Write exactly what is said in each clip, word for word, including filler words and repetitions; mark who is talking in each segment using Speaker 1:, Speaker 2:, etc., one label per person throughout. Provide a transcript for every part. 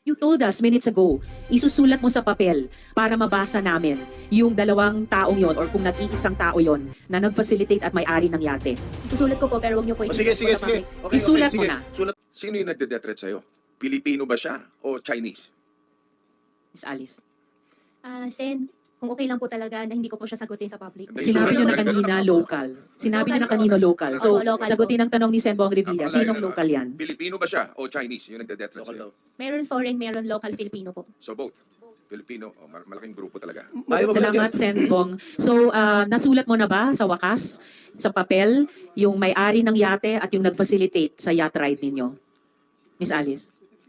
Speaker 1: You told us minutes ago, isusulat mo sa papel para mabasa namin yung dalawang taong yon or kung nag-iisang tao yon na nag-facilitate at may-ari ng yate.
Speaker 2: Susulat ko po pero wag niyo po
Speaker 3: O,
Speaker 2: i-discuss
Speaker 3: sige, sige,
Speaker 2: po sa
Speaker 3: sige.
Speaker 2: public.
Speaker 3: Okay,
Speaker 1: Isulat
Speaker 3: okay,
Speaker 1: mo
Speaker 3: sige.
Speaker 1: na.
Speaker 3: Sulat.
Speaker 4: Sino yung nagde-death sa'yo? Pilipino ba siya o Chinese?
Speaker 1: Miss Alice.
Speaker 2: Ah, Sen, kung okay lang po talaga na hindi ko po siya sagutin sa public.
Speaker 4: Hindi,
Speaker 1: Sinabi
Speaker 4: sulat
Speaker 1: nyo
Speaker 4: mo
Speaker 1: na
Speaker 4: na.
Speaker 1: kanina local. Sinabi nyo na kanino local. So,
Speaker 2: Opo, local
Speaker 1: sagutin ang tanong ni Sen Bong Revilla.
Speaker 4: Ako,
Speaker 1: Sinong
Speaker 4: ano,
Speaker 1: local yan?
Speaker 4: Pilipino ba siya o Chinese yung nagde-death
Speaker 3: Local daw.
Speaker 4: sa'yo?
Speaker 2: Meron foreign, meron local Filipino po.
Speaker 4: So both. Filipino, oh, mal- malaking grupo talaga.
Speaker 3: Ayaw mo ba-
Speaker 1: Salamat, Sen Bong. So, ah, nasulat mo na ba sa wakas, sa papel, yung may-ari ng yate at yung nag-facilitate sa yacht ride ninyo? Miss Alice.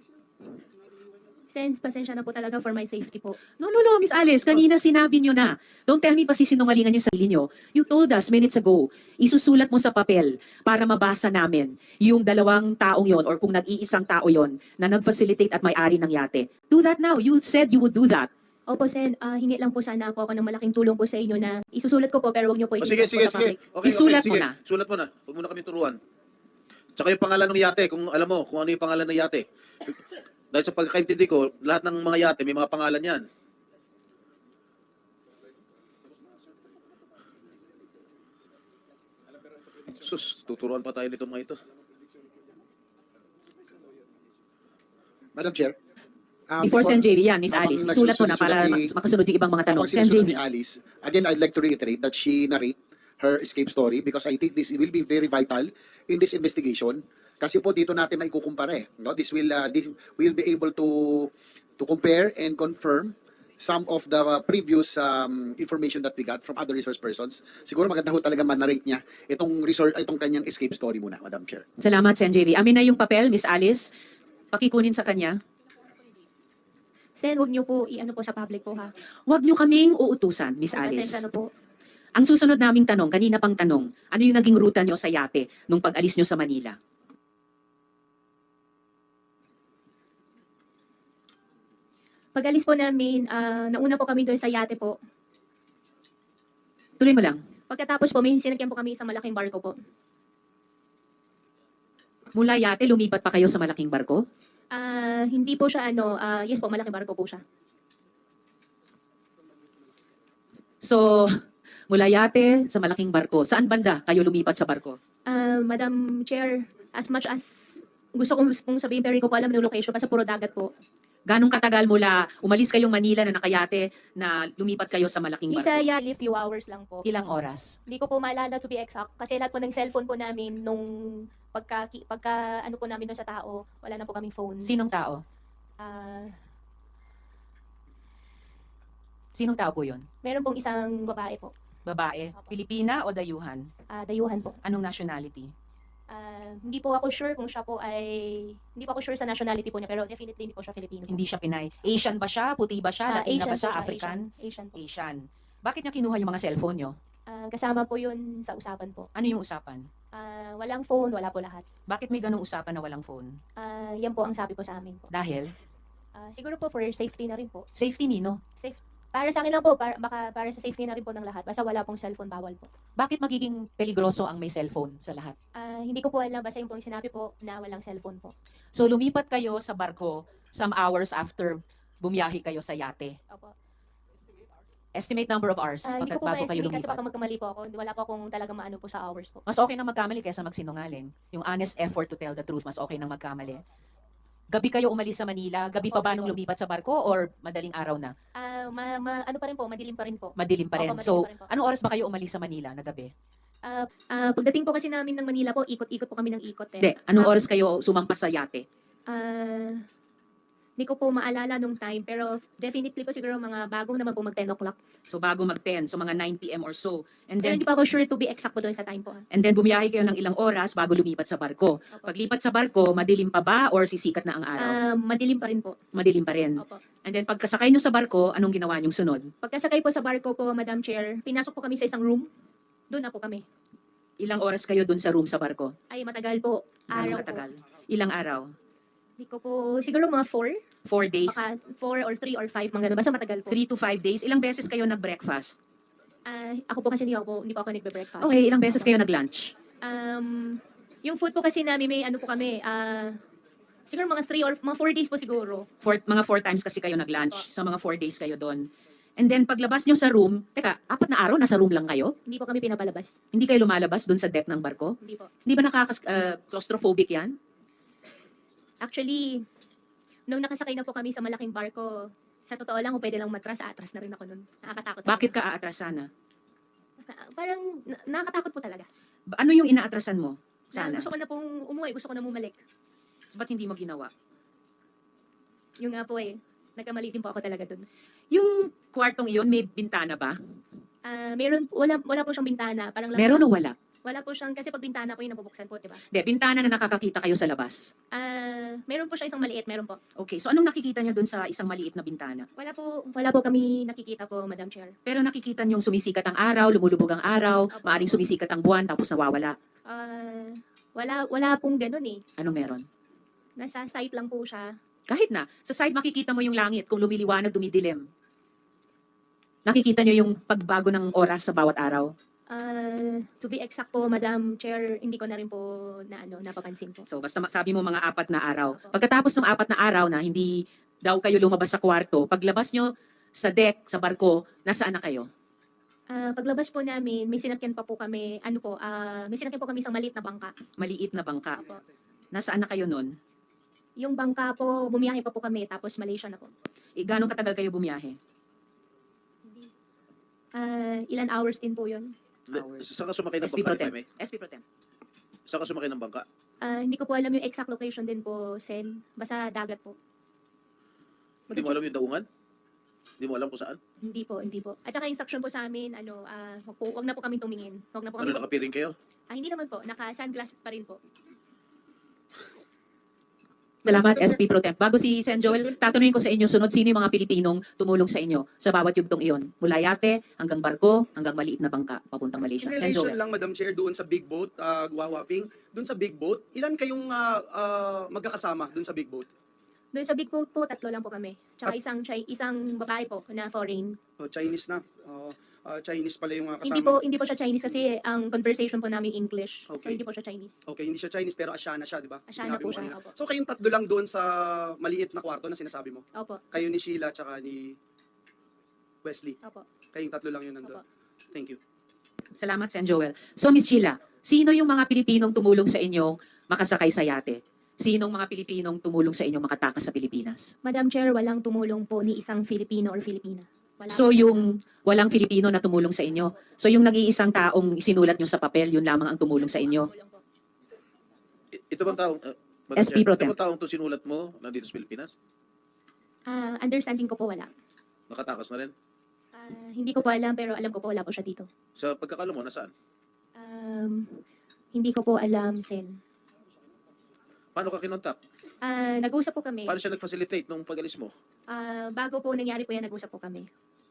Speaker 2: Sen, pasensya na po talaga for my safety po.
Speaker 1: No, no, no, Miss Alice, kanina sinabi nyo na. Don't tell me pa sisinungalingan yung sarili nyo. You told us minutes ago, isusulat mo sa papel para mabasa namin yung dalawang taong yon or kung nag-iisang tao yon na nag-facilitate at may-ari ng yate. Do that now. You said you would do that.
Speaker 2: Opo, Sen, ah, hingi lang po sana po ako ng malaking tulong po sa inyo na isusulat ko po pero wag niyo po
Speaker 3: O, sige,
Speaker 2: i-discuss
Speaker 3: sige,
Speaker 2: po sa
Speaker 3: sige.
Speaker 2: public.
Speaker 3: Okay,
Speaker 1: Isulat
Speaker 3: okay,
Speaker 1: mo
Speaker 3: sige.
Speaker 1: na.
Speaker 3: Sulat mo na. Huwag mo na kami turuan. Tsaka yung pangalan ng yate, kung alam mo kung ano yung pangalan ng yate. Dahil sa pagkakaintindi ko, lahat ng mga yate may mga pangalan yan. Sus, tuturuan pa tayo nito mga ito.
Speaker 5: Madam Chair. um,
Speaker 1: Before Sen J V, yan, Miss
Speaker 5: habang
Speaker 1: Alice. Isulat mo na
Speaker 5: nagsusunod
Speaker 1: para
Speaker 5: ni-
Speaker 1: makasunod yung ibang mga tanong.
Speaker 5: habang
Speaker 1: Sen J
Speaker 5: sinusunod
Speaker 1: V.
Speaker 5: ni Alice, again, I'd like to reiterate that she narrate her escape story because I think this will be very vital in this investigation. Kasi po dito natin maikukumpara eh. No? This will uh, this will be able to to compare and confirm some of the uh, previous um, information that we got from other resource persons. Siguro maganda ho talaga man-narrate niya itong resource, itong kanyang escape story muna, Madam Chair.
Speaker 1: Salamat, Sen J V. Amin na yung papel, Miss Alice. Pakikunin sa kanya.
Speaker 2: Sen, wag niyo po i-ano po sa public po ha.
Speaker 1: Huwag nyo kaming uutusan, Miss
Speaker 2: Pasensya
Speaker 1: Alice.
Speaker 2: na po.
Speaker 1: Ang susunod naming tanong, kanina pang tanong, ano yung naging ruta nyo sa yate nung pag-alis nyo sa Manila?
Speaker 2: Pag-alis po namin, ah, nauna po kami doon sa yate po.
Speaker 1: Tuloy mo lang.
Speaker 2: Pagkatapos po, may sinakyan po kami sa malaking barko po.
Speaker 1: Mula yate, lumipat pa kayo sa malaking barko?
Speaker 2: Ah, hindi po siya ano, ah, yes po, malaking barko po siya.
Speaker 1: So, mula yate sa malaking barko. Saan banda kayo lumipat sa barko?
Speaker 2: Ah, Madam Chair, as much as gusto kong pong sabihin pero hindi ko po alam yung location, basta puro dagat po.
Speaker 1: Ganong katagal mula umalis kayong Manila na nakayate na lumipat kayo sa malaking
Speaker 2: Isa
Speaker 1: barko?
Speaker 2: yali few hours lang po.
Speaker 1: Ilang oras?
Speaker 2: Hindi ko po maalala to be exact kasi lahat po ng cellphone po namin nung pagka, pagka ano po namin doon sa tao, wala na po kaming phone.
Speaker 1: Sinong tao?
Speaker 2: Ah,
Speaker 1: Sinong tao po yun?
Speaker 2: meron pong isang babae po,
Speaker 1: Babae? Pilipina o dayuhan?
Speaker 2: ah, dayuhan po.
Speaker 1: Anong nationality?
Speaker 2: Ah, hindi po ako sure kung siya po ay, hindi po ako sure sa nationality po niya pero definitely hindi po siya Filipino po.
Speaker 1: Hindi siya Pinay. Asian ba siya? Puti ba siya?
Speaker 2: Ah,
Speaker 1: Latina ba
Speaker 2: po
Speaker 1: siya? African?
Speaker 2: Asian, Asian po.
Speaker 1: Asian. Bakit niya kinuha yung mga cellphone nyo?
Speaker 2: Ah, kasama po yun sa usapan po.
Speaker 1: Ano yung usapan?
Speaker 2: Ah, walang phone, wala po lahat.
Speaker 1: Bakit may ganong usapan na walang phone?
Speaker 2: Ah, yan po ang sabi po sa amin po.
Speaker 1: Dahil?
Speaker 2: Ah, siguro po for safety na rin po.
Speaker 1: Safety nino?
Speaker 2: Safe. Para sa akin lang po, para, baka para sa safety na rin po ng lahat. Basta wala pong cellphone, bawal po.
Speaker 1: Bakit magiging peligroso ang may cellphone sa lahat?
Speaker 2: Ah, hindi ko po alam, basta yung pong sinabi po na walang cellphone po.
Speaker 1: So lumipat kayo sa barko some hours after bumiyahe kayo sa yate.
Speaker 2: Opo.
Speaker 1: Estimate number of hours
Speaker 2: Ah, hindi
Speaker 1: pagkat
Speaker 2: ko po
Speaker 1: bago kayo
Speaker 2: ma-estimate kasi
Speaker 1: lumipat.
Speaker 2: baka magkamali po ako. Wala po akong talaga maano po sa hours po.
Speaker 1: Mas okay na magkamali kaysa magsinungaling. Yung honest effort to tell the truth, mas okay nang magkamali. Gabi kayo umalis sa Manila? Gabi pa
Speaker 2: Opo,
Speaker 1: ba
Speaker 2: gabi
Speaker 1: nung
Speaker 2: po.
Speaker 1: lumipat sa barko or madaling araw na?
Speaker 2: Ah, ma, ma- ano pa rin po, madilim pa rin po.
Speaker 1: Madilim pa rin.
Speaker 2: Opo, madilim
Speaker 1: So,
Speaker 2: pa rin po.
Speaker 1: anong oras ba kayo umalis sa Manila na gabi?
Speaker 2: Ah, ah, pagdating po kasi namin ng Manila po, ikot-ikot po kami ng ikot eh.
Speaker 1: Hindi, anong
Speaker 2: Ah,
Speaker 1: oras kayo sumampas sa yate?
Speaker 2: Ah, hindi ko po maalala nung time, pero definitely po siguro mga bago naman po mag ten o'clock.
Speaker 1: So bago mag ten, so mga nine p m or so. And
Speaker 2: Pero
Speaker 1: then
Speaker 2: hindi pa ako sure to be exact po doon sa time po. ah.
Speaker 1: and then bumiyahe kayo ng ilang oras bago lumipat sa barko.
Speaker 2: Opo.
Speaker 1: Paglipat sa barko, madilim pa ba or sisikat na ang araw?
Speaker 2: Ah, madilim pa rin po.
Speaker 1: Madilim pa rin.
Speaker 2: Opo.
Speaker 1: And then pagkasakay nyo sa barko, anong ginawa nyong sunod?
Speaker 2: Pagkasakay po sa barko po, Madam Chair, pinasok po kami sa isang room. Doon na po kami.
Speaker 1: Ilang oras kayo dun sa room sa barko?
Speaker 2: Ay, matagal po.
Speaker 1: Anong
Speaker 2: Araw
Speaker 1: katagal?
Speaker 2: po.
Speaker 1: Ilang araw?
Speaker 2: Hindi ko po, siguro mga four.
Speaker 1: Four days?
Speaker 2: Baka four or three or five, mga ganun. Basta matagal po.
Speaker 1: Three to five days? Ilang beses kayo nag-breakfast?
Speaker 2: Ah, ako po kasi hindi ako, po, hindi pa ako nagbe-breakfast.
Speaker 1: Okay, ilang beses kayo nag-lunch?
Speaker 2: Um, yung food po kasi namin may ano po kami, ah, Siguro mga three or mga four days po siguro.
Speaker 1: Four, mga four times kasi kayo nag-lunch. Sa mga four days kayo doon. And then paglabas nyo sa room, teka, apat na araw nasa room lang kayo?
Speaker 2: Hindi po kami pinapalabas.
Speaker 1: Hindi kayo lumalabas doon sa deck ng barko?
Speaker 2: Hindi po.
Speaker 1: Hindi ba nakaka-claustrophobic yan?
Speaker 2: Actually, nung nakasakay na po kami sa malaking barko, sa totoo lang, kung pwede lang matras, atras na rin ako nun. Nakakatakot.
Speaker 1: Bakit ka aatras sana?
Speaker 2: Naka- Parang na- nakakatakot po talaga.
Speaker 1: Ba- Ano yung inaatrasan mo?
Speaker 2: Na,
Speaker 1: Sana.
Speaker 2: gusto ko na pong umuwi, gusto ko na bumalik.
Speaker 1: Ba't hindi mo ginawa?
Speaker 2: Yung nga po eh, nagkamali din po ako talaga dun.
Speaker 1: Yung kwartong iyon, may bintana ba?
Speaker 2: Ah, meron, wala, wala po siyang bintana. Parang lang,
Speaker 1: Meron o wala?
Speaker 2: Wala po siyang, kasi pag bintana po yung nabubuksan po, di ba?
Speaker 1: Hindi, bintana na nakakakita kayo sa labas.
Speaker 2: Ah, meron po siya isang maliit, meron po.
Speaker 1: Okay, so anong nakikita niyo doon sa isang maliit na bintana?
Speaker 2: Wala po, wala po kami nakikita po, Madam Chair.
Speaker 1: Pero nakikita niyong sumisikat ang araw, lumulubog ang araw,
Speaker 2: Opo.
Speaker 1: maaring sumisikat ang buwan, tapos nawawala.
Speaker 2: Ah, wala, wala pong ganun eh.
Speaker 1: Ano meron?
Speaker 2: Nasa site lang po siya.
Speaker 1: Kahit na, sa side makikita mo yung langit kung lumiliwanag, dumidilim. Nakikita niyo yung pagbago ng oras sa bawat araw.
Speaker 2: Ah, to be exact po, Madam Chair, hindi ko na rin po na ano, napapansin po.
Speaker 1: So basta ma- sabi mo mga apat na araw. Pagkatapos ng apat na araw na hindi daw kayo lumabas sa kwarto, paglabas nyo sa deck, sa barko, nasaan na kayo?
Speaker 2: Ah, paglabas po namin, may sinakyan pa po kami, ano po, ah, may sinakyan po kami isang maliit na bangka.
Speaker 1: Maliit na bangka.
Speaker 2: Opo.
Speaker 1: Nasaan na kayo nun?
Speaker 2: Yung bangka po, bumiyahe pa po kami, tapos Malaysia na po.
Speaker 1: E, gano'ng katagal kayo bumiyahe?
Speaker 2: Ah, ilan hours din po yun.
Speaker 1: Hours.
Speaker 3: Saan ka sumakay ng
Speaker 1: S P
Speaker 3: bangka,
Speaker 1: Pro
Speaker 3: if I
Speaker 1: Tem.
Speaker 3: may?
Speaker 1: S P Pro Tem.
Speaker 3: Saan ka sumakay ng bangka?
Speaker 2: Ah, hindi ko po alam yung exact location din po, Sen. Basta dagat po.
Speaker 3: Hindi mo alam yung daungan? Hindi mo alam kung saan?
Speaker 2: Hindi po, hindi po. At saka instruction po sa amin, ano, ah, wag, po, wag na po kami tumingin. Wag na po
Speaker 3: Ano,
Speaker 2: kami.
Speaker 3: nakapiring kayo?
Speaker 2: Ah, hindi naman po, naka-sunglass pa rin po.
Speaker 1: Salamat, S P Pro Tem. Bago si Sen Joel, tatanungin ko sa inyo, sunod, sino yung mga Pilipinong tumulong sa inyo sa bawat yugtong iyon? Mula yate, hanggang barko, hanggang maliit na bangka, papuntang Malaysia.
Speaker 6: In
Speaker 1: Sen
Speaker 6: relation
Speaker 1: Joel.
Speaker 6: lang, Madam Chair, doon sa big boat, uh, Guwawaping, doon sa big boat, ilan kayong ah, ah, magkakasama doon sa big boat?
Speaker 2: Doon sa big boat po, tatlo lang po kami. Tsaka isang, Chi- isang babae po na foreign.
Speaker 6: Oh, Chinese na. Oh, ah, Chinese pala yung mga kasama.
Speaker 2: Hindi po, hindi po siya Chinese kasi ang conversation po namin English. So
Speaker 6: Okay.
Speaker 2: hindi po siya Chinese.
Speaker 6: Okay, hindi siya Chinese pero Asiana siya, di ba?
Speaker 2: Asiana
Speaker 6: Sinabi
Speaker 2: po
Speaker 6: mo
Speaker 2: siya,
Speaker 6: kanina.
Speaker 2: opo.
Speaker 6: So kayong tatlo lang doon sa maliit na kwarto na sinasabi mo?
Speaker 2: Opo,
Speaker 6: Kayo ni Sheila tsaka ni Wesley.
Speaker 2: opo,
Speaker 6: Kayong tatlo lang yun nandun.
Speaker 2: opo.
Speaker 6: Thank you.
Speaker 1: Salamat, Sen Joel. So, Miss Sheila, sino yung mga Pilipinong tumulong sa inyo makasakay sa yate? Sinong mga Pilipinong tumulong sa inyo makatakas sa Pilipinas?
Speaker 2: Madam Chair, walang tumulong po ni isang Filipino or Filipina. Wala
Speaker 1: So
Speaker 2: po.
Speaker 1: yung walang Filipino na tumulong sa inyo. So yung nag-iisang taong sinulat nyo sa papel, yun lamang ang tumulong sa inyo.
Speaker 2: Tumulong po.
Speaker 3: I- Ito bang taong... Uh, Madam
Speaker 1: S P
Speaker 3: Chair,
Speaker 1: Pro
Speaker 3: ito
Speaker 1: Tem.
Speaker 3: bang taong to sinulat mo nandito sa Pilipinas?
Speaker 2: Ah, understanding ko po wala.
Speaker 3: Nakatakas na rin?
Speaker 2: Ah, hindi ko po alam pero alam ko po wala po siya dito.
Speaker 3: Sa pagkakala mo, nasaan?
Speaker 2: Um, hindi ko po alam, Sen.
Speaker 3: Paano ka kinontak?
Speaker 2: Ah, nag-usap po kami.
Speaker 3: Paano siya nag-facilitate nung pag-alis mo?
Speaker 2: Ah, bago po nangyari po yan, nag-usap po kami.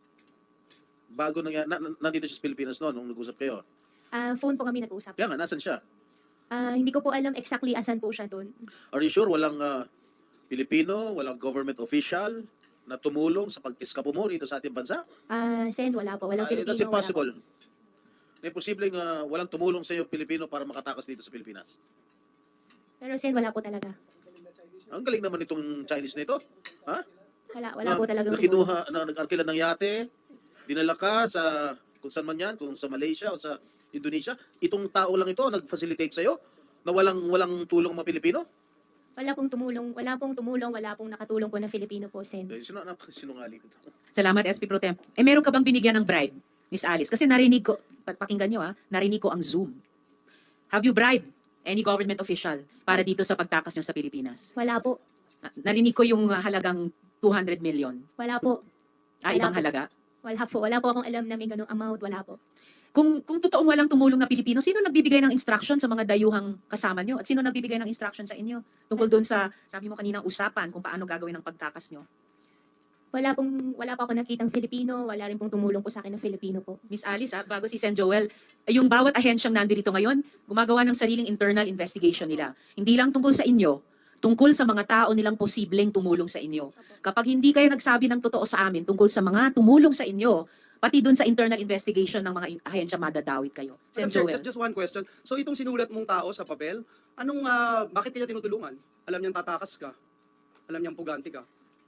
Speaker 3: Bago na, na, na- nandito siya sa Pilipinas noon, nung nag-usap kayo.
Speaker 2: Ah, phone po kami nag-usap.
Speaker 3: Kaya nga, nasan siya?
Speaker 2: Ah, hindi ko po alam exactly asan po siya doon.
Speaker 3: Are you sure walang ah, Pilipino, walang government official na tumulong sa pag-eskapo mo rito sa ating bansa?
Speaker 2: Ah, Sen, wala po. Walang
Speaker 3: Ay,
Speaker 2: Filipino.
Speaker 3: that's
Speaker 2: wala po.
Speaker 3: impossible. Na posibleng ah, walang tumulong sa iyo Pilipino para makatakas dito sa Pilipinas.
Speaker 2: Pero Sen, wala po talaga.
Speaker 3: Ang galing naman itong Chinese nito. Ha?
Speaker 2: Wala, wala
Speaker 3: na,
Speaker 2: po talagang
Speaker 3: na kinuha, na nag-arkila ng yate, dinala ka sa, kung saan man yan, kung sa Malaysia o sa Indonesia. Itong tao lang ito nag-facilitate sa'yo na walang walang tulong mga Pilipino?
Speaker 2: Wala pong tumulong, wala pong tumulong, wala pong nakatulong po na Filipino po, Sen.
Speaker 3: Eh, Sino na sinungaling ito?
Speaker 1: Salamat, S P Pro Tem. Eh, meron ka bang binigyan ng bribe, Miss Alice? Kasi narinig ko, pa- pakinggan nyo ha, narinig ko ang Zoom. Have you bribed any government official para dito sa pagtakas nyo sa Pilipinas?
Speaker 2: Wala po.
Speaker 1: Na- Narinig ko yung uh, halagang two hundred million.
Speaker 2: Wala po.
Speaker 1: Ah,
Speaker 2: Wala
Speaker 1: ibang
Speaker 2: po.
Speaker 1: halaga.
Speaker 2: Wala po. Wala po akong alam na may ganung amount. Wala po.
Speaker 1: Kung kung totoong walang tumulong na Pilipino, sino nagbibigay ng instruction sa mga dayuhang kasama nyo? At sino nagbibigay ng instruction sa inyo? Tungkol doon sa, sabi mo kaninang usapan, kung paano gagawin ang pagtakas nyo.
Speaker 2: Wala pong, wala pa ako nakitang Filipino. Wala rin pong tumulong po sa akin na Filipino po.
Speaker 1: Miss Alice, ah, bago si Sen Joel, yung bawat ahensyang nandito ngayon, gumagawa ng sariling internal investigation nila. Hindi lang tungkol sa inyo, tungkol sa mga tao nilang posibleng tumulong sa inyo. Kapag hindi kayo nagsabi ng totoo sa amin tungkol sa mga tumulong sa inyo, pati doon sa internal investigation ng mga in- ahensya madadawit kayo. Sen
Speaker 6: Madam Chair,
Speaker 1: Joel.
Speaker 6: just, just one question. So itong sinulat mong tao sa papel, anong, ah, bakit kanya tinutulungan? Alam niyang tatakas ka. Alam niyang puganti ka.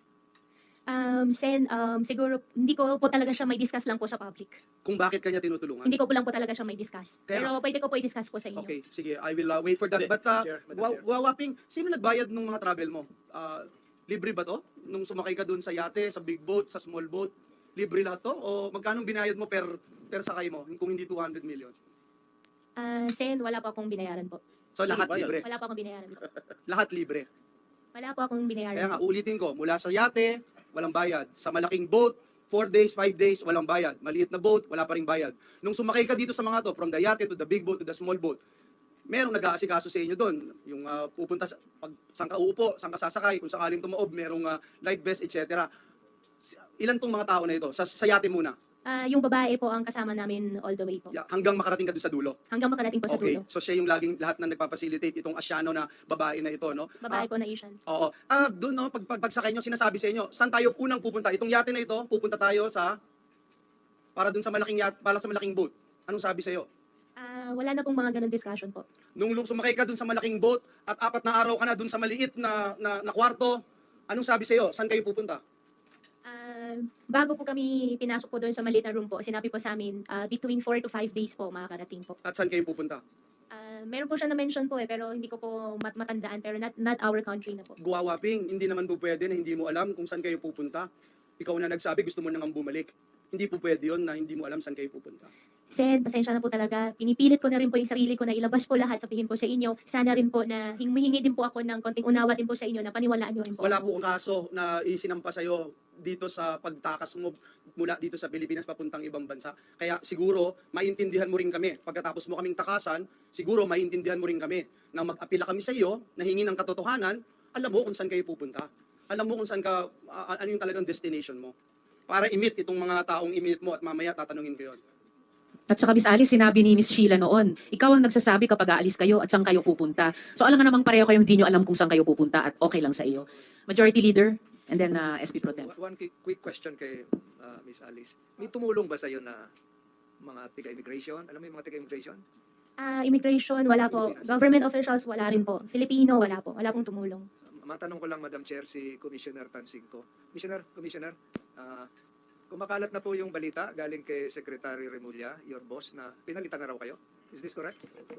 Speaker 2: Um, Sen, um, siguro, hindi ko po talaga siya may discuss lang po sa public.
Speaker 6: Kung bakit kanya tinutulungan.
Speaker 2: Hindi ko po lang po talaga siya may discuss.
Speaker 6: Kaya-
Speaker 2: Pero pwede ko po i-discuss po sa inyo.
Speaker 6: Okay, sige. I will uh, wait for that.
Speaker 3: Hindi.
Speaker 6: But, uh,
Speaker 4: Chair, Madam
Speaker 6: wa-
Speaker 4: Chair.
Speaker 6: Wawaping, sino nagbayad ng mga travel mo? Uh, libre ba to? Nung sumakay ka dun sa yate, sa big boat, sa small boat, libre lahat to? O magkano binayad mo per, per sakay mo kung hindi two hundred million?
Speaker 2: Ah, Sen, wala po akong binayaran po.
Speaker 6: So
Speaker 3: Sino
Speaker 6: lahat
Speaker 3: bayad?
Speaker 6: libre.
Speaker 2: Wala po akong binayaran po.
Speaker 6: Lahat libre.
Speaker 2: Wala po akong binayaran
Speaker 6: Kaya nga,
Speaker 2: po.
Speaker 6: ulitin ko, mula sa yate, walang bayad. Sa malaking boat, four days, five days, walang bayad. Maliit na boat, wala pa rin bayad. Nung sumakay ka dito sa mga to, from the yate to the big boat to the small boat, merong nag-aasikaso sa inyo doon. Yung uh, pupunta, sa, pag, saan ka uupo, saan ka sasakay, kung sakaling tumaob, merong uh, life vest, et cetera. Ilan tong mga tao na ito? Sa, sa yate muna.
Speaker 2: Ah, yung babae po ang kasama namin all the way po.
Speaker 6: Yeah, hanggang makarating ka doon sa dulo.
Speaker 2: Hanggang makarating po sa
Speaker 6: Okay,
Speaker 2: dulo.
Speaker 6: so siya yung laging lahat na nagpapacilitate itong asyano na babae na ito, no?
Speaker 2: Babae
Speaker 6: Ah,
Speaker 2: po na Asian.
Speaker 6: Oo. Ah, doon no, pag, pag pagsakay nyo, sinasabi sa inyo, saan tayo unang pupunta? Itong yate na ito, pupunta tayo sa para doon sa malaking yate, para sa malaking boat. Anong sabi sa iyo?
Speaker 2: Ah, wala na pong mga ganun discussion po.
Speaker 6: Nung lu- sumakay ka doon sa malaking boat at apat na araw ka na doon sa maliit na, na, na kwarto, anong sabi sa iyo? Saan kayo pupunta?
Speaker 2: Ah, bago po kami pinasok po doon sa maliit na room po, sinabi po sa amin, ah, between four to five days po makakarating po.
Speaker 6: At saan kayo pupunta?
Speaker 2: Ah, meron po siya na-mention po eh, pero hindi ko po mat matandaan, pero not, not our country na po.
Speaker 6: Guwawaping, hindi naman po pwede na hindi mo alam kung saan kayo pupunta. Ikaw na nagsabi, gusto mo nang bumalik. Hindi po pwede yun na hindi mo alam saan kayo pupunta.
Speaker 2: Sen, pasensya na po talaga. Pinipilit ko na rin po yung sarili ko na ilabas po lahat, sabihin po sa inyo. Sana rin po na humihingi din po ako ng konting unawa din po sa inyo na paniwalaan nyo rin po.
Speaker 6: Wala po kaso na isinampa sa'yo dito sa pagtakas mo mula dito sa Pilipinas papuntang ibang bansa. Kaya siguro, maintindihan mo rin kami. Pagkatapos mo kaming takasan, siguro maintindihan mo rin kami na mag-apila kami sa iyo, nahingi ng katotohanan, alam mo kung saan kayo pupunta. Alam mo kung saan ka, uh, ano yung talagang destination mo. Para i-meet itong mga taong i-meet mo at mamaya tatanungin ko yun.
Speaker 1: At saka Miss Alice, sinabi ni Miss Sheila noon, ikaw ang nagsasabi kapag aalis kayo at saan kayo pupunta. So alam nga namang pareho kayong hindi nyo alam kung saan kayo pupunta at okay lang sa iyo. Majority Leader, and then uh, S P Pro Tem.
Speaker 7: One quick, quick question kay uh, Miss Alice. May tumulong ba sa iyo na mga taga-immigration? Alam mo yung mga taga-immigration?
Speaker 2: Ah, immigration, wala po. Government officials, wala rin po. Filipino, wala po. Wala pong tumulong.
Speaker 7: Matanong ko lang, Madam Chair, si Commissioner Tansingco. Commissioner, Commissioner, uh, kumakalat na po yung balita galing kay Secretary Remulla, your boss, na pinalitan na raw kayo. Is this correct?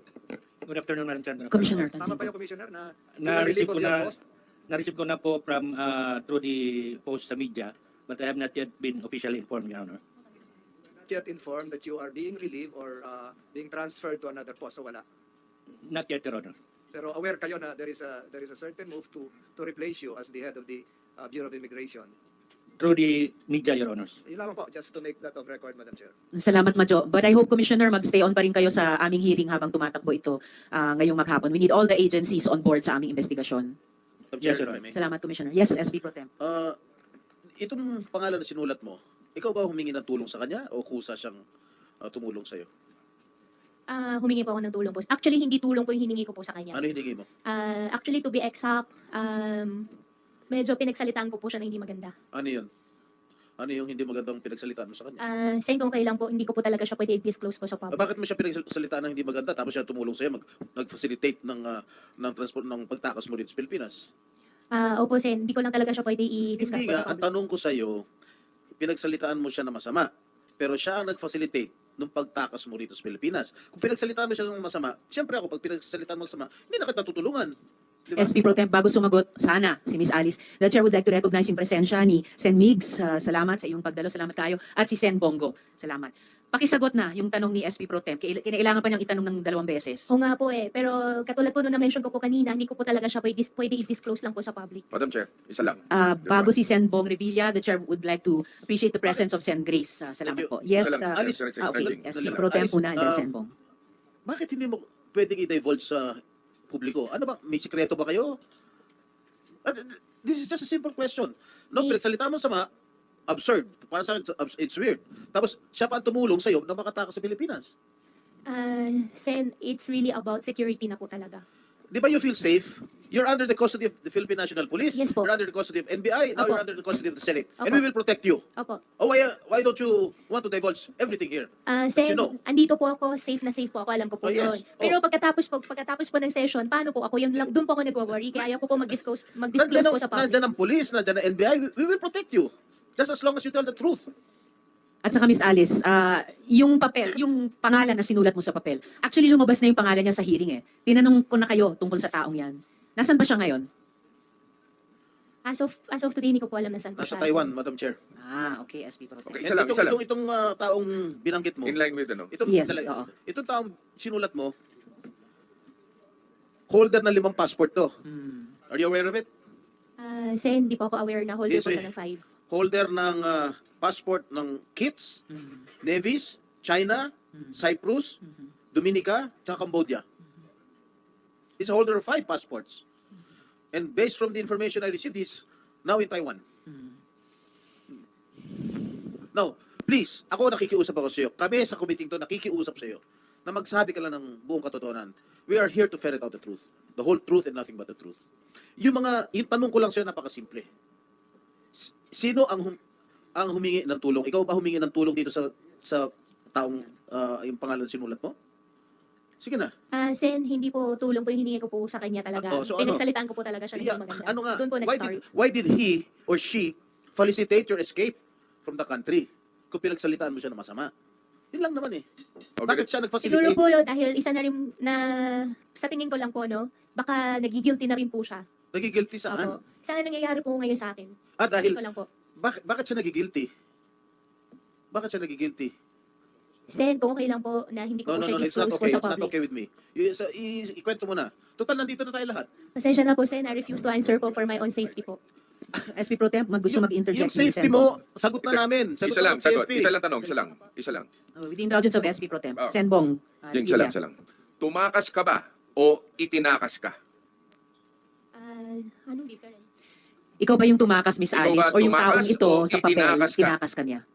Speaker 8: Good afternoon, Madam Chair.
Speaker 1: Commissioner
Speaker 7: Tama
Speaker 1: Tansin.
Speaker 7: ba yung Commissioner na
Speaker 8: Na-receive ko
Speaker 7: pinarelieve of your
Speaker 8: na,
Speaker 7: post?
Speaker 8: na-receive ko na po from uh, through the post sa media, but I have not yet been officially informed, Your Honor.
Speaker 7: Not yet informed that you are being relieved or uh, being transferred to another post, so wala.
Speaker 8: Not yet, Your Honor.
Speaker 7: Pero aware kayo na there is a there is a certain move to to replace you as the head of the uh, Bureau of Immigration.
Speaker 8: Through the media, Your Honors.
Speaker 7: Yun lamang po, just to make that of record, Madam Chair.
Speaker 1: Salamat, Majo. But I hope, Commissioner, magstay on pa rin kayo sa aming hearing habang tumatakbo ito uh, ngayong maghapon. We need all the agencies on board sa aming investigasyon.
Speaker 8: Yes,
Speaker 3: Chair,
Speaker 8: Your
Speaker 3: if I
Speaker 8: Honor.
Speaker 3: may.
Speaker 1: Salamat, Commissioner. Yes, S P Pro Tem.
Speaker 3: Uh, itong pangalan na sinulat mo, ikaw ba humingi ng tulong sa kanya o kusa siyang uh, tumulong sa'yo?
Speaker 2: Ah, humingi po ako ng tulong po. Actually, hindi tulong po yung hiningi ko po sa kanya.
Speaker 3: Ano hiningi mo?
Speaker 2: Ah, actually, to be exact, um, medyo pinagsalitaan ko po siya na hindi maganda.
Speaker 3: Ano yun? Ano yung hindi magandang pinagsalitaan mo sa kanya?
Speaker 2: Ah, saying kung kailan po, hindi ko po talaga siya pwede i-disclose po sa
Speaker 3: Ah,
Speaker 2: public.
Speaker 3: bakit mo siya pinagsalitaan ng hindi maganda tapos siya tumulong sa'yo, mag, nag-facilitate ng, ah, ng transport ng pagtakas mo dito sa Pilipinas?
Speaker 2: Ah, opo, Sen, hindi ko lang talaga siya pwede i-discuss
Speaker 3: Hindi
Speaker 2: po
Speaker 3: nga,
Speaker 2: sa
Speaker 3: ang
Speaker 2: public.
Speaker 3: tanong ko sa'yo, pinagsalitaan mo siya na masama, pero siya ang nag-facilitate nung pagtakas mo rito sa Pilipinas. Kung pinagsalitaan mo siya ng masama, siyempre ako, pag pinagsalitaan mo ng masama, hindi na kita tutulungan. Di ba?
Speaker 1: S P Pro Tem, bago sumagot, sana, si Miss Alice, the Chair would like to recognize yung presensya ni Sen Migs. Uh, salamat sa iyong pagdalo. Salamat kayo. At si Sen Bongo. Salamat. Pakisagot na yung tanong ni S P Pro Tem. Kaila- Kinailangan pa niyang itanong ng dalawang beses.
Speaker 2: Oo nga po eh, pero katulad po nung na-mention ko po kanina, hindi ko po talaga siya pwede, pwede i-disclose lang po sa public.
Speaker 4: Madam Chair, isa lang.
Speaker 1: Uh,
Speaker 4: Just
Speaker 1: bago
Speaker 4: one.
Speaker 1: si Sen Bong Revilla, the Chair would like to appreciate the presence of Sen Grace. Uh, salamat
Speaker 3: Thank
Speaker 1: po. Yes,
Speaker 4: Isa lang,
Speaker 1: uh,
Speaker 3: Alice,
Speaker 1: ah, okay.
Speaker 4: exciting.
Speaker 1: S P
Speaker 3: Dali lang.
Speaker 1: Pro Tem
Speaker 3: Alice,
Speaker 1: una, and then
Speaker 3: uh,
Speaker 1: Sen Bong.
Speaker 3: Bakit hindi mo pwedeng i-divulge sa publiko? Ano ba? May sikreto ba kayo? Ah, This is just a simple question. No,
Speaker 2: May-
Speaker 3: pinagsalita mo sama, absurd. Para sa akin, it's- it's weird. Tapos, siya pa ang tumulong sa'yo na makatakas sa Pilipinas.
Speaker 2: Ah, Sen, it's really about security na po talaga.
Speaker 3: di ba you feel safe? You're under the custody of the Philippine National Police.
Speaker 2: Yes po.
Speaker 3: You're under the custody of N B I. Now
Speaker 2: Opo.
Speaker 3: you're under the custody of the Senate. And
Speaker 2: Opo.
Speaker 3: we will protect you.
Speaker 2: Opo.
Speaker 3: Oh, why, why don't you want to divulge everything here?
Speaker 2: Ah,
Speaker 3: But
Speaker 2: Sen,
Speaker 3: you know.
Speaker 2: andito po ako, safe na safe po ako, alam ko po
Speaker 3: Oh,
Speaker 2: yun.
Speaker 3: yes.
Speaker 2: Pero
Speaker 3: Oh.
Speaker 2: pagkatapos po, pagkatapos po ng session, paano po ako? Yun lang, doon po ako nagwo-worry, kaya ayaw ko po mag-disclose, mag-disclose
Speaker 3: Nandiyan
Speaker 2: po
Speaker 3: ang,
Speaker 2: sa public.
Speaker 3: nandiyan ang police, nandiyan ang N B I. We, we will protect you. Just as long as you tell the truth.
Speaker 1: At saka Miss Alice, ah, yung papel, yung pangalan na sinulat mo sa papel, actually lumabas na yung pangalan niya sa hearing eh. Tinanong ko na kayo tungkol sa taong yan. Nasaan ba siya ngayon?
Speaker 2: As of, as of today, hindi ko po alam na saan po
Speaker 3: Nasa
Speaker 2: siya.
Speaker 3: Taiwan, Madam Chair.
Speaker 1: Ah, okay, S P Pro Tem.
Speaker 4: Okay,
Speaker 3: And
Speaker 4: isa lang,
Speaker 3: itong,
Speaker 4: isa lang.
Speaker 3: Itong, itong ah, taong binanggit mo,
Speaker 4: In line with ano?
Speaker 3: itong,
Speaker 1: Yes,
Speaker 3: talaga-
Speaker 1: oo.
Speaker 3: itong taong sinulat mo, holder na limang passport to.
Speaker 1: Hmm.
Speaker 3: Are you aware of it?
Speaker 2: Ah, Sen, hindi po ako aware na holder
Speaker 3: Yes,
Speaker 2: po
Speaker 3: eh.
Speaker 2: siya ng five.
Speaker 3: Holder ng ah, passport ng Kits, Nevis, China, Cyprus, Dominica, tsaka Cambodia. He's a holder of five passports. And based from the information I received, he's now in Taiwan. Now, please, ako nakikiusap ako sa iyo. Kami sa committee to nakikiusap sa iyo na magsabi ka lang ng buong katotohanan. We are here to ferret out the truth. The whole truth and nothing but the truth. Yung mga, yung tanong ko lang sa iyo, napakasimple. S- Sino ang hum- ang humingi ng tulong? Ikaw ba humingi ng tulong dito sa sa taong ah, yung pangalan na sinulat mo? Sige na.
Speaker 2: Ah, Sen, hindi po tulong po yung hiningi ko po sa kanya talaga.
Speaker 3: Oh, so ano?
Speaker 2: Pinagsalitaan ko po talaga siya ng
Speaker 3: Yeah,
Speaker 2: hindi maganda.
Speaker 3: ano nga?
Speaker 2: Doon po
Speaker 3: Why
Speaker 2: nag-start.
Speaker 3: did, why did he or she felicitate your escape from the country? Kung pinagsalitaan mo siya na masama. Yun lang naman eh.
Speaker 4: Okay.
Speaker 3: Bakit siya
Speaker 2: Siguro
Speaker 3: nag-facilitate?
Speaker 2: po dahil isa na rin na sa tingin ko lang po no, baka nagigilty na rin po siya.
Speaker 3: Nagigilty saan?
Speaker 2: Opo. Sana nangyayari po ngayon sa akin.
Speaker 3: Ah, dahil,
Speaker 2: Tingin ko lang po.
Speaker 3: bakit, bakit siya nagigilty? Bakit siya nagigilty?
Speaker 2: Sen, kung okay lang po na hindi ko
Speaker 3: No,
Speaker 2: po
Speaker 3: no,
Speaker 2: siya
Speaker 3: no, it's not
Speaker 2: disclose po
Speaker 3: okay.
Speaker 2: sa
Speaker 3: It's not
Speaker 2: public.
Speaker 3: okay with me. I, sa, i, ikwento mo na. Total, nandito na tayo lahat.
Speaker 2: Pasensya na po, Sen. I refuse to answer po for my own safety po.
Speaker 1: S P Pro Tem, mag gusto
Speaker 3: Yung-
Speaker 1: mag-interject.
Speaker 3: Yung
Speaker 1: si
Speaker 3: safety
Speaker 1: Senbong.
Speaker 3: mo, sagot na namin. Sagot
Speaker 4: Isa
Speaker 3: na
Speaker 4: lang,
Speaker 3: ng
Speaker 4: sagot.
Speaker 3: P N P.
Speaker 4: Isa lang tanong, isa lang. Isa lang.
Speaker 1: Uh, with the indulgence of S P Pro Tem.
Speaker 4: Oh.
Speaker 1: Senbong. uh,
Speaker 4: Yung isa lang,
Speaker 1: Lilia.
Speaker 4: isa lang. Tumakas ka ba o itinakas ka?
Speaker 2: Ah, anong difference?
Speaker 1: Ikaw ba yung tumakas, Miss
Speaker 4: Ikaw
Speaker 1: Alice?
Speaker 4: ba
Speaker 1: O yung
Speaker 4: tumakas
Speaker 1: taong ito
Speaker 4: o
Speaker 1: sa papel,
Speaker 4: itinakas ka?
Speaker 1: tinakas ka niya?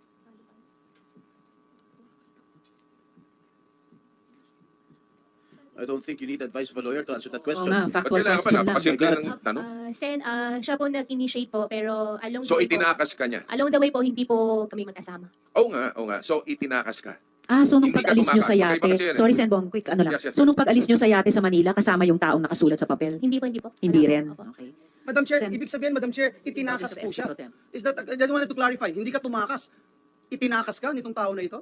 Speaker 3: I don't think you need advice of a lawyer to answer that
Speaker 1: Oo
Speaker 3: question.
Speaker 1: nga,
Speaker 4: Ba't
Speaker 1: factual
Speaker 4: kailangan pa?
Speaker 1: question lang.
Speaker 4: Napakasimple
Speaker 3: my God.
Speaker 4: ng tanong.
Speaker 2: Ah, Sen, ah, siya po nag-initiate po, pero along
Speaker 4: So
Speaker 2: the way po,
Speaker 4: itinakas ka niya?
Speaker 2: along the way po, hindi po kami magkasama.
Speaker 4: Oo nga, oo nga. So itinakas ka.
Speaker 1: Ah, so nung
Speaker 4: Hindi ka
Speaker 1: pag-alis nyo sa
Speaker 4: tumakas.
Speaker 1: yate,
Speaker 4: Magkaiba kasi yan eh.
Speaker 1: sorry Senbong, quick ano lang.
Speaker 4: Yes, yes,
Speaker 1: So nung pag-alis nyo sa yate sa Manila, kasama yung taong nakasulat sa papel?
Speaker 2: Hindi po, hindi po.
Speaker 1: Hindi
Speaker 2: Wala
Speaker 1: rin.
Speaker 2: po. Opo.
Speaker 1: Okay.
Speaker 6: Madam Chair,
Speaker 1: Sen-
Speaker 6: ibig sabihin, Madam Chair, itinakas
Speaker 1: Indulgence of
Speaker 6: po
Speaker 1: S P
Speaker 6: siya.
Speaker 1: Pro Tem.
Speaker 6: Is that, I just wanted to clarify, hindi ka tumakas. Itinakas ka nitong tao na ito?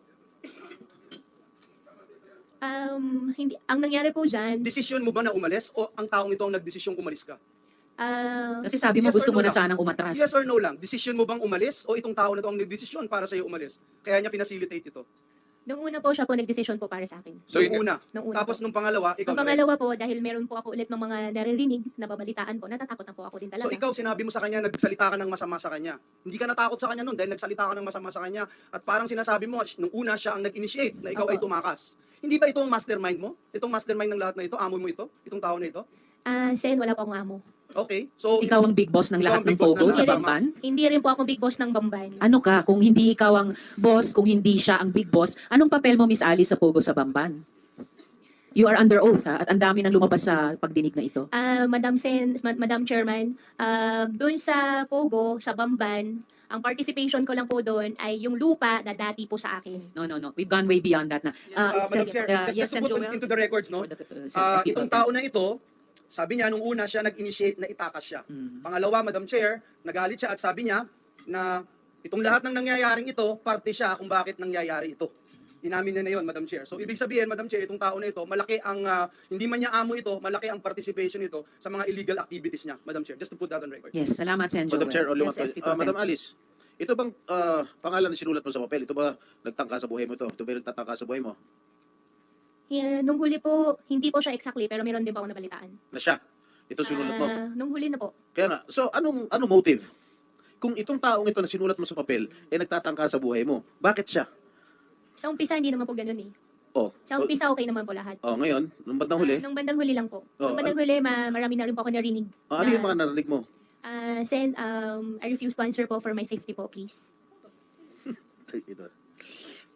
Speaker 2: Um, hindi, ang nangyari po dyan,
Speaker 6: Desisyon mo ba na umalis o ang taong ito ang nagdesisyong umalis ka?
Speaker 2: ah,
Speaker 1: Kasi sabi mo
Speaker 6: Yes or
Speaker 1: gusto mo
Speaker 6: no
Speaker 1: na
Speaker 6: lang?
Speaker 1: sanang umatras.
Speaker 6: Yes or no lang? Desisyon mo bang umalis o itong tao na ito ang nagdesisyon para sa'yo umalis? Kaya niya pinacilitate ito.
Speaker 2: nung una po siya po nag-decision po para sa akin.
Speaker 4: So,
Speaker 6: nung
Speaker 4: yun-
Speaker 6: una.
Speaker 2: Nung una
Speaker 6: Tapos
Speaker 2: po.
Speaker 6: nung pangalawa, ikaw
Speaker 2: Ang
Speaker 6: na rin.
Speaker 2: pangalawa po, dahil meron po ako ulit ng mga naririnig, nababalitaan po, natatakot na po ako din talaga.
Speaker 6: So ikaw, sinabi mo sa kanya, nagsalita ka ng masama sa kanya. Hindi ka natakot sa kanya nun dahil nagsalita ka ng masama sa kanya. At parang sinasabi mo, nung una siya ang nag-initiate na ikaw
Speaker 2: Opo.
Speaker 6: ay tumakas. Hindi ba ito ang mastermind mo? Itong mastermind ng lahat na ito? Amo mo ito? Itong tao na ito?
Speaker 2: Ah, Sen, wala po akong amo.
Speaker 6: Okay. So,
Speaker 1: Ikaw ang big boss ng
Speaker 6: Ikaw
Speaker 1: lahat
Speaker 6: ang
Speaker 1: ng
Speaker 6: big boss ng
Speaker 1: Pogo
Speaker 6: lahat.
Speaker 1: sa
Speaker 2: Hindi rin-
Speaker 1: Bamban?
Speaker 2: Hindi rin po ako big boss ng Bamban.
Speaker 1: Ano ka, kung hindi ikaw ang boss, kung hindi siya ang big boss, anong papel mo, Miss Alice, sa Pogo sa Bamban? You are under oath, ha? At ang dami nang lumabas sa pagdinig na ito.
Speaker 2: Ah, Madam Sen, Ma- Madam Chairman, ah, doon sa Pogo, sa Bamban, ang participation ko lang po doon ay yung lupa na dati po sa akin.
Speaker 1: No, no, no. We've gone way beyond that na.
Speaker 6: uh, Madam
Speaker 1: Sen-
Speaker 6: Chair,
Speaker 1: uh,
Speaker 6: just,
Speaker 1: yes,
Speaker 6: just
Speaker 1: Sen
Speaker 6: to put
Speaker 1: Joel.
Speaker 6: into the records, no?
Speaker 1: For the, uh, Sen-
Speaker 6: Ah,
Speaker 1: S P
Speaker 6: itong
Speaker 1: Pro Tem.
Speaker 6: tao na ito, sabi niya, nung una siya nag-initiate na itakas siya.
Speaker 1: Mm.
Speaker 6: Pangalawa, Madam Chair, nagalit siya at sabi niya na itong lahat ng nangyayaring ito, parte siya kung bakit nangyayari ito. Inamin niya na yun, Madam Chair. So, ibig sabihin, Madam Chair, itong tao na ito, malaki ang, ah, hindi man niya amo ito, malaki ang participation nito sa mga illegal activities niya, Madam Chair. Just to put that on record.
Speaker 1: Yes, salamat, Sen Joel.
Speaker 3: Madam Chair, only one
Speaker 1: Yes, S P
Speaker 3: question.
Speaker 1: Pro
Speaker 3: Ah,
Speaker 1: Tem.
Speaker 3: Madam Alice, ito bang ah, pangalan na sinulat mo sa papel? Ito ba nagtangka sa buhay mo ito? Ito ba yung nagtatangka sa buhay mo?
Speaker 2: Yeah, nung huli po, hindi po siya exactly, pero meron din po ako nabalitaan.
Speaker 3: Na siya? Ito sinulat mo?
Speaker 2: Ah, nung huli na po.
Speaker 3: Kaya nga, so anong anong motive? Kung itong taong ito na sinulat mo sa papel, eh nagtatangka sa buhay mo, bakit siya?
Speaker 2: Sa umpisa, hindi naman po ganun eh.
Speaker 3: Oh,
Speaker 2: Sa umpisa, okay naman po lahat.
Speaker 3: oh ngayon, nung bandang huli,
Speaker 2: Ah, nung bandang huli lang po.
Speaker 3: Oh,
Speaker 2: nung bandang huli, ma- marami na rin po ako narinig.
Speaker 3: oh, ano
Speaker 2: na-
Speaker 3: yung mga narinig mo?
Speaker 2: Ah, Sen, um, I refuse to answer po for my safety po, please.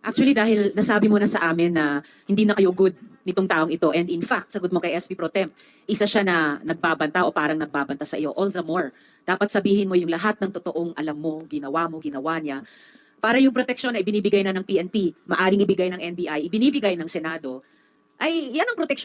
Speaker 1: Actually, dahil nasabi mo na sa amin na hindi na kayo good nitong taong ito, and in fact, sagot mo kay S P Pro Temp, isa siya na nagbabanta o parang nagbabanta sa iyo, all the more. Dapat sabihin mo yung lahat ng totoong alam mo, ginawa mo, ginawa niya. Para yung proteksyon na ibinibigay na ng P N P, maaring ibigay ng N B I, ibinibigay ng Senado, ay yan ang proteksyon